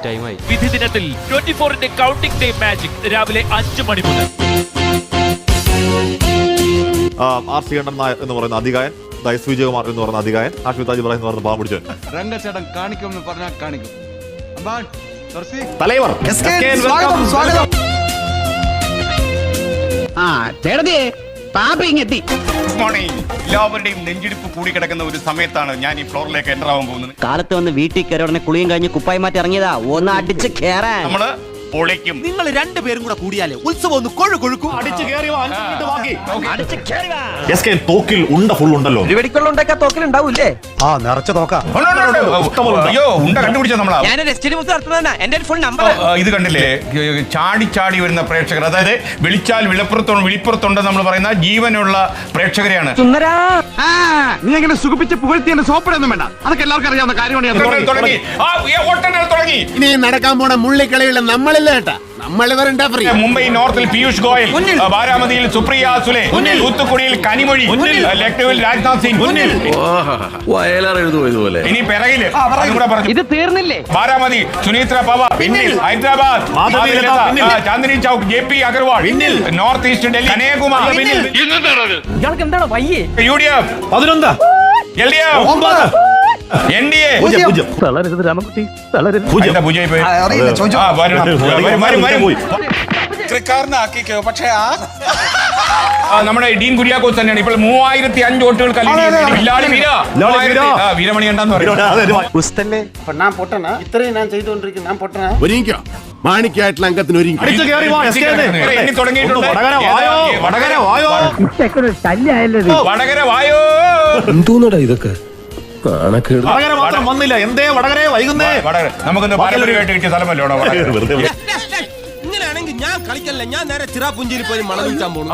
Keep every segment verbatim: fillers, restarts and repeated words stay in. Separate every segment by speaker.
Speaker 1: ടൈമായി.
Speaker 2: വിധി ദിനത്തിൽ ട്വന്റി ഫോറിന്റെ കൗണ്ടിംഗ് ഡേ മാജിക് രാവിലെ അഞ്ചു മണി മുതൽ.
Speaker 3: ആർ ശ്രീകണ്ഠൻ നായർ എന്ന് പറയുന്ന അധികായൻ, എസ് വിജയകുമാർ എന്ന് പറയുന്ന അധികായൻ, ആഷ്മി താജ് ഇബ്രാഹിം എന്ന് പറയുന്ന പാവം പിടിച്ചവൻ.
Speaker 4: രംഗച്ചേട്ടൻ കാണിക്കുമെന്ന് പറഞ്ഞാൽ കാണിക്കും.
Speaker 3: തലൈവർ
Speaker 5: എല്ലാവരുടെയും നെഞ്ചിടിപ്പ് കൂടിക്കിടക്കുന്ന ഒരു സമയത്താണ് ഞാൻ ഈ ഫ്ലോറിലേക്ക് എൻ്റർ ആവാൻ പോകുന്നത്.
Speaker 6: കാലത്ത് വന്ന് വീട്ടിൽ കയറി ഉടനെ കുളിയും കഴിഞ്ഞ് കുപ്പായി മാറ്റി ഇറങ്ങിയതാ, ഒന്ന് അടിച്ച് കേറാൻ.
Speaker 5: നമ്മള് പൊളിക്കും.
Speaker 7: നിങ്ങൾ രണ്ടുപേരും കൂടെ കൂടിയാലേ ഉത്സവം ഒന്ന് കൊഴു കൊഴുക്കും.
Speaker 3: തോക്കിൽ ഉണ്ട ഫുൾ ഉണ്ടല്ലോ.
Speaker 6: വെടിക്കൊള്ളുണ്ടൊക്കെ തോക്കിലുണ്ടാവൂലേ?
Speaker 7: ആ നിറച്ച തോക്കാം.
Speaker 5: അയ്യോ ഉണ്ട കണ്ടുപിടിച്ച നമ്മളാ.
Speaker 6: എന്റെ ഫുൾ നമ്പർ
Speaker 5: ഇത് കണ്ടില്ലേ, ചാടി ചാടി വരുന്ന പ്രേക്ഷകർ, അതായത് വിളിച്ചാൽ വിളപ്പുറത്തുണ്ട് വിളിപ്പുറത്തുണ്ട് നമ്മൾ പറയുന്ന ജീവനുള്ള പ്രേക്ഷകരെയാണ്.
Speaker 7: നീ എങ്ങനെ സുഖിപ്പിച്ച് പുകഴ്ത്തി എന്നെ സോപ്പിടൊന്നും വേണ്ട, അതൊക്കെ എല്ലാവർക്കും അറിയാവുന്ന കാര്യമാണ്.
Speaker 5: തുടങ്ങി തുടങ്ങി
Speaker 7: ഇനി നടക്കാൻ പോണ മുള്ളിക്കളിയുള്ള നമ്മളില്ല കേട്ടാ, നമ്മളിവരുണ്ടാ.
Speaker 5: മുംബൈ നോർത്തിൽ പീയൂഷ് ഗോയൽ, ബാരാമതിയിൽ സുപ്രിയ സുലെ, തൂത്തുക്കുടിയിൽ കനിമൊഴി, ലക്നൌവിൽ രാജ്നാഥ് സിംഗ്, ഇനി പിറകില്
Speaker 6: ഇത് തീർന്നില്ലേ?
Speaker 5: Baramati Sunetra Pawar, Hyderabad Chandni Chowk J P Agarwal, north east Delhi കനേകുമാർ,
Speaker 6: ഇയാൾക്ക് എന്താണ് വയ്യേ?
Speaker 5: യു ഡി എഫ്
Speaker 3: പതിനൊന്ന്,
Speaker 5: L D F, N D A. നമ്മുടെ ഡീൻ കുര്യാക്കോസ് തന്നെയാണ് ഇപ്പോൾ മൂവായിരത്തി അഞ്ച് വോട്ടുകൾ വീരമണി ഉണ്ടെന്ന്
Speaker 7: ഒരുങ്ങിക്കോ, മാണിക്കായിട്ടുള്ള അംഗത്തിന് ഒരുങ്ങി.
Speaker 5: തുടങ്ങിയിട്ടുണ്ട്. വടകര വായോ.
Speaker 1: എന്തോന്നടാ ഇതൊക്കെ?
Speaker 3: വടകര മാത്രം വന്നില്ല, എന്തേ വടകര വൈകുന്നേ?
Speaker 5: നമുക്കൊന്ന് പാരമ്പര്യമായിട്ട് കിട്ടിയ സ്ഥലമല്ലോ
Speaker 7: ഇങ്ങനെയാണെങ്കിൽ ഞാൻ കളിക്കല്ല, ഞാൻ നേരെ ചിറാപുഞ്ചിയിൽ പോയി മണം വിൽക്കാൻ പോകുന്നു.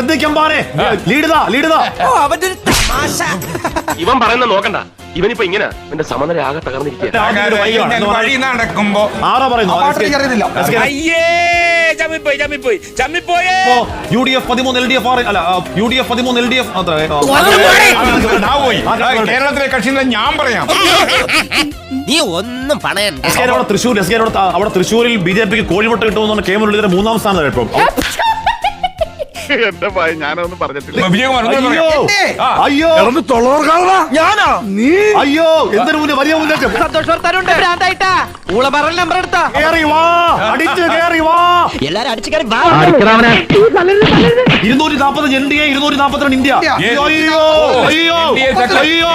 Speaker 1: ഇവൻ പറയുന്ന നോക്കണ്ട, ഇവനിപ്പോ ഇങ്ങനെ എന്റെ സമനില ആകെ തകർന്നിരിക്കുക.
Speaker 5: വഴി നടക്കുമ്പോ
Speaker 3: ആരാ പറയുന്നു? യു ഡി എഫ് പതിമൂന്ന്, എൽ ഡി എഫ് ആറ്, അല്ല യു ഡി എഫ് പതിമൂന്ന്, എൽ ഡി എഫ്
Speaker 5: കേരളത്തിലെ കക്ഷികളെ ഞാൻ പറയാം.
Speaker 7: നീ ഒന്നും പണയണ്ട.
Speaker 3: തൃശ്ശൂർ അവിടെ തൃശ്ശൂരിൽ ബി ജെ പിക്ക് കോഴിമുട്ട കിട്ടുമെന്നാണ് കെ മുരളീധരൻ മൂന്നാം സ്ഥാനം കേട്ടോ.
Speaker 5: എന്റെ ഭയം ഞാനൊന്നും പറഞ്ഞിട്ടില്ല.
Speaker 3: അയ്യോ അയ്യോ എന്തിനു മുന്നേ വലിയ മുന്നേറ്റം.
Speaker 6: എല്ലാരും അടിച്ചു കയറി
Speaker 3: ഇരുന്നൂറ്റി നാപ്പത്തഞ്ച് എൻ ഡി എ, ഇരുന്നൂറ്റി നാപ്പത്തിരണ്ട് ഇന്ത്യ. അയ്യോ അയ്യോ അയ്യോ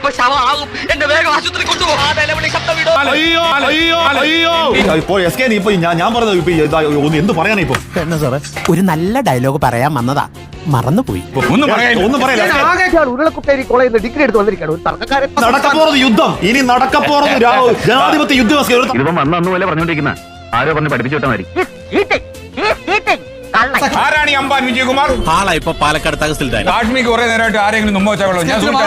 Speaker 3: അയ്യോ അയ്യോ ഇപ്പൊ എസ് കെ ഇപ്പൊ ഞാൻ പറഞ്ഞത് ഇപ്പൊ എന്ത് പറയാനാ ഇപ്പൊ?
Speaker 7: എന്നാ സാറേ, ഒരു നല്ല ഡയലോഗ് പറയാൻ വന്നതാ, മറന്നുപോയി.
Speaker 3: ഒന്നും ഒന്നും പറയാ.
Speaker 6: ഉരുളക്കുട്ടേരി കോളേജിൽ നിന്ന് ഡിഗ്രി എടുത്ത് വന്നിരിക്കണം.
Speaker 3: നടക്കപ്പോറത് യുദ്ധം, ഇനി നടക്കപ്പോറത് ജനാധിപത്യ യുദ്ധം.
Speaker 1: ഇവൻ വന്ന അന്ന് പോലെ പറഞ്ഞോണ്ടിരിക്കുന്ന ആരോ പറഞ്ഞ് പഠിപ്പിച്ചു വിട്ടാൽ മതി.
Speaker 5: ആരാണ് ഈ അമ്പാൻ വിജയകുമാർ?
Speaker 7: ആളാ ഇപ്പൊ പാലക്കാട് തഹസിൽദാർ.
Speaker 5: കാശ്മീർക്ക് കുറെ നേരമായിട്ട് ആരെങ്കിലും മുമ്പ് വെച്ചാൽ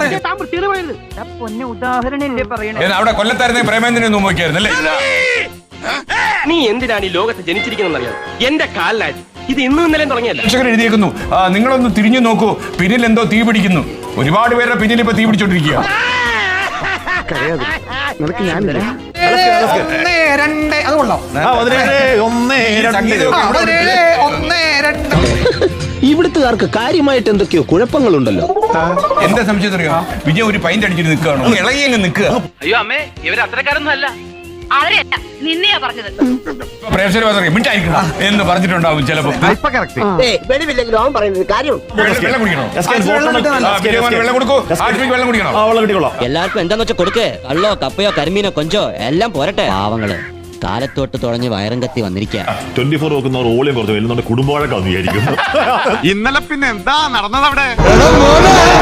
Speaker 5: അവിടെ കൊല്ലത്തായിരുന്നെ പ്രേമേന്ദ്രനെ മുമ്പ് വയ്ക്കായിരുന്നല്ലേ?
Speaker 1: നീ എന്തിനാണ് ഈ ലോകത്ത് ജനിച്ചിരിക്കുന്നറിയാം? എന്റെ കാലിലായി ഇത് ഇന്നും ഇന്നലെ തുടങ്ങിയല്ല.
Speaker 5: രക്ഷകൻ എഴുതിയേക്കുന്നു, നിങ്ങളൊന്ന് തിരിഞ്ഞു നോക്കൂ, പിന്നിൽ എന്തോ തീ പിടിക്കുന്നു. ഒരുപാട് പേരുടെ പിന്നിൽ ഇപ്പൊ തീ പിടിച്ചോണ്ടിരിക്കുക.
Speaker 8: ഇവിടുത്തുകാർക്ക് കാര്യമായിട്ട് എന്തൊക്കെയോ കുഴപ്പങ്ങളുണ്ടല്ലോ.
Speaker 5: എന്താ സംശയം അറിയാം? വിജയ് ഒരു പൈന്റ് അടിച്ചിട്ട് നിൽക്കുകയാണോ? ഇളകി അങ്ങ് നിൽക്കുക.
Speaker 1: അയ്യോ അമ്മേ, ഇവർ അത്രക്കാരൊന്നും അല്ല.
Speaker 5: പ്രേക്ഷകർ മിണ്ടായിരിക്കണം എന്ന് പറഞ്ഞിട്ടുണ്ടാവും ചിലപ്പോ. വെള്ളം കൊടുക്കൂ, വെള്ളം കുടിക്കണോ?
Speaker 6: എല്ലാവർക്കും എന്താന്ന് വെച്ചാൽ കൊടുക്കേ. കള്ളോ കപ്പയോ കരിമീനോ കൊഞ്ചോ എല്ലാം പോരട്ടെ. പാവങ്ങള് കാലത്തോട്ട് തുടങ്ങി വയറും കത്തി വന്നിരിക്കുക.
Speaker 3: ട്വന്റി ഫോർ നോക്കുന്നവർ ഓളിയും കുറച്ച് വരുന്നുണ്ട്, കുടുംബവഴക്കാന്ന് വിചാരിക്കുന്നു.
Speaker 4: ഇന്നലെ പിന്നെ എന്താ നടന്നത് അവിടെ?